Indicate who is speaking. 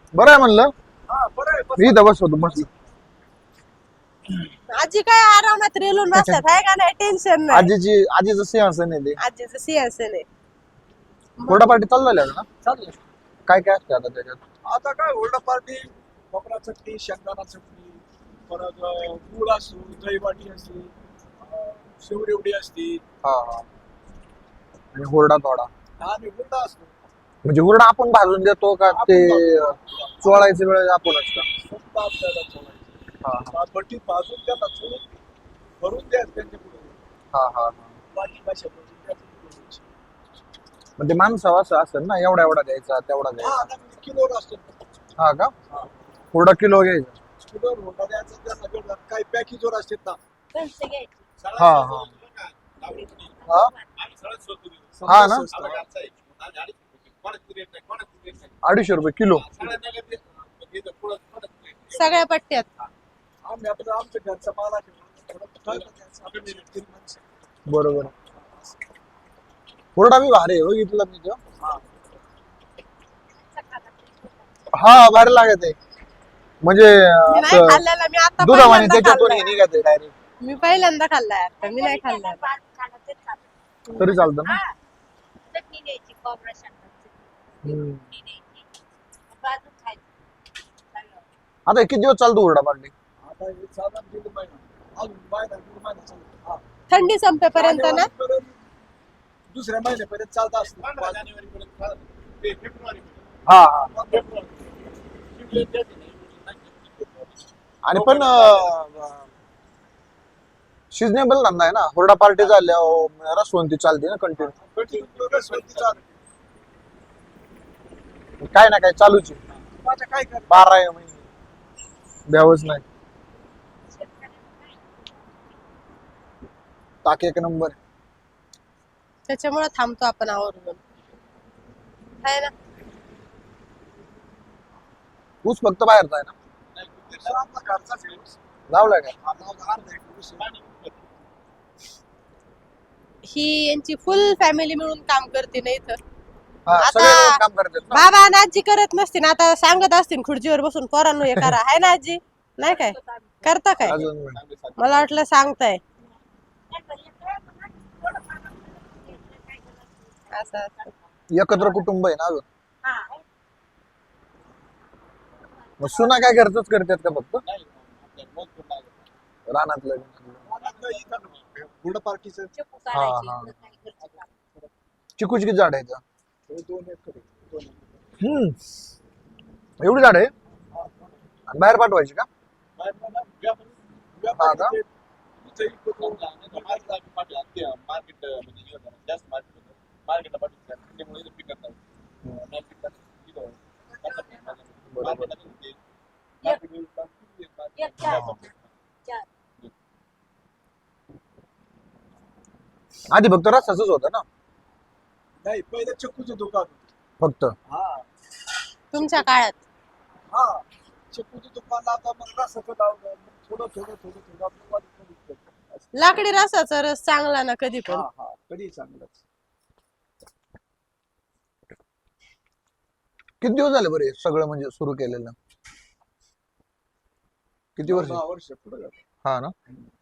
Speaker 1: बरं आहे म्हणलं.
Speaker 2: हा बरं आहे
Speaker 1: मी इथं बसतो मस्त.
Speaker 3: आजी काय आरामात रेलून बसतात आहे का नाही, टेन्शन नाही.
Speaker 1: आजीचं सिंहासन आहे ते.
Speaker 3: आजीचं सिंहासन आहे.
Speaker 1: कोरडा पार्टी चालू झाल्या ना.
Speaker 2: चालेल.
Speaker 1: काय काय असतं आता त्याच्यात?
Speaker 2: आता काय हुरडा पार्टी, खोबरा चटणी, शेंगदाणा चटणी, परत गुळ असतो, दहीवाटी असते, शेवरेवडी असते
Speaker 1: हा हा. आणि हुरडा थोडा.
Speaker 2: आणि हुरडा असतो.
Speaker 1: म्हणजे हुरडा आपण भाजून देतो का ते चोळायच्या वेळेस आपणच का?
Speaker 2: स्वतः आपल्याला चोळायचं.
Speaker 1: हा
Speaker 2: भट्टीत भाजून त्याला चोळून भरून द्यायचं त्यांच्या पुढे.
Speaker 1: हा हा.
Speaker 2: बाकी भाषा भरून द्यायचं.
Speaker 1: म्हणजे माणसं असं असेल ना, एवढा एवढा द्यायचा तेवढा
Speaker 2: हा
Speaker 1: द्यायचा.
Speaker 2: आता किलोवर असतो.
Speaker 1: हा का?
Speaker 2: हा.
Speaker 1: हुरडा किलो घ्यायचा.
Speaker 2: किलोवर हुरडा द्यायचा त्यांना जेवढा काही पॅकेजवर असतात ना.
Speaker 1: हा हा हा. हा ना? 250 रुपये किलो.
Speaker 3: सगळ्या पट्ट्यात.
Speaker 2: आम्ही आपलं आमच्या घरचा माल आहे. थोडं ठरलं द्यायचं. आपल्या घरी माणसं.
Speaker 1: बरोबर. हुरडा बी भारी आहे बघितलं मी तो. हा भारी लागत आहे. म्हणजे
Speaker 3: मी नाही
Speaker 1: असं
Speaker 3: खाल्लेला, मी आता
Speaker 1: दुधावाने
Speaker 3: पहिल्यांदा
Speaker 1: त्याच्यातून
Speaker 3: खाल्लाय.
Speaker 1: हे निघते डायरेक्ट.
Speaker 3: मी पहिल्यांदा खाल्लाय आता, मी नाही खाल्लाय.
Speaker 1: तरी चालतं ना. हम्म. आता हे किती दिवस चालतो हुरडा पार्टी?
Speaker 2: आता हे साधारण दीड महिना. अजून दीड महिना चालतो. हा.
Speaker 3: थंडी संपेपर्यंत ना.
Speaker 2: जानेवारीपर्यंत, दुसऱ्या महिन्यापर्यंत चालत असतं.
Speaker 1: हा हा. आणि पण सिजनेबल धंदा आहे ना. हुरडा पार्टी झाल्या रसवंती चालते ना कंटिन्यू. काय ना काय चालूच आहे.
Speaker 2: माझ्या काय कर
Speaker 1: 12 महिने द्यावंच नाही. टाक एक नंबर.
Speaker 3: त्याच्यामुळे थांबतो आपण आवर्जून, आहे ना.
Speaker 1: ऊस फक्त बाहेरचा आहे ना.
Speaker 2: आपला घरचाच आहे.
Speaker 1: लावलाय का?
Speaker 2: आपला अर्धा एकर ऊस आहे.
Speaker 3: ही यांची फुल फॅमिली मिळून काम करते ना इथं.
Speaker 1: हा,
Speaker 3: आता
Speaker 1: सगळे मिळून काम करतात ना.
Speaker 3: बाबा आणि आजी करत नसतील आता, सांगत असतील खुर्चीवर बसून पोरांनो हे करा, आहे ना आजी? नाही काय करता काय?
Speaker 1: अजून
Speaker 3: मला वाटलं सांगताय असं असं.
Speaker 1: एकत्र कुटुंब आहे ना अजून. मग सुना काय घरचंच करतात का फक्त रानातलं?
Speaker 2: हुरडा पार्टीचं
Speaker 1: हा हा. चिकूची किती झाड आहे इथं?
Speaker 2: 2 एकर आहे. 2 एकर.
Speaker 1: एवढी झाड आहे आणि बाहेर पाठवायची का? हा का? आधी फक्त रस्ताच होतं ना
Speaker 2: नाही, पहिलं चक्कूचं दुकान होतं.
Speaker 1: फक्त.
Speaker 2: हा
Speaker 3: तुमच्या काळात.
Speaker 2: हा चक्कूचं दुकान आता मग रसाचं लावलं. मग थोडं आपलं वाढत गेलं.
Speaker 3: लाकडी रसाचा रस चांगला ना कधी पण.
Speaker 2: हा हा कधी चांगलंच.
Speaker 1: किती दिवस झाले बरे सगळं म्हणजे सुरू केलेलं? किती वर्ष?
Speaker 2: 10 वर्ष पुढे
Speaker 1: हा ना.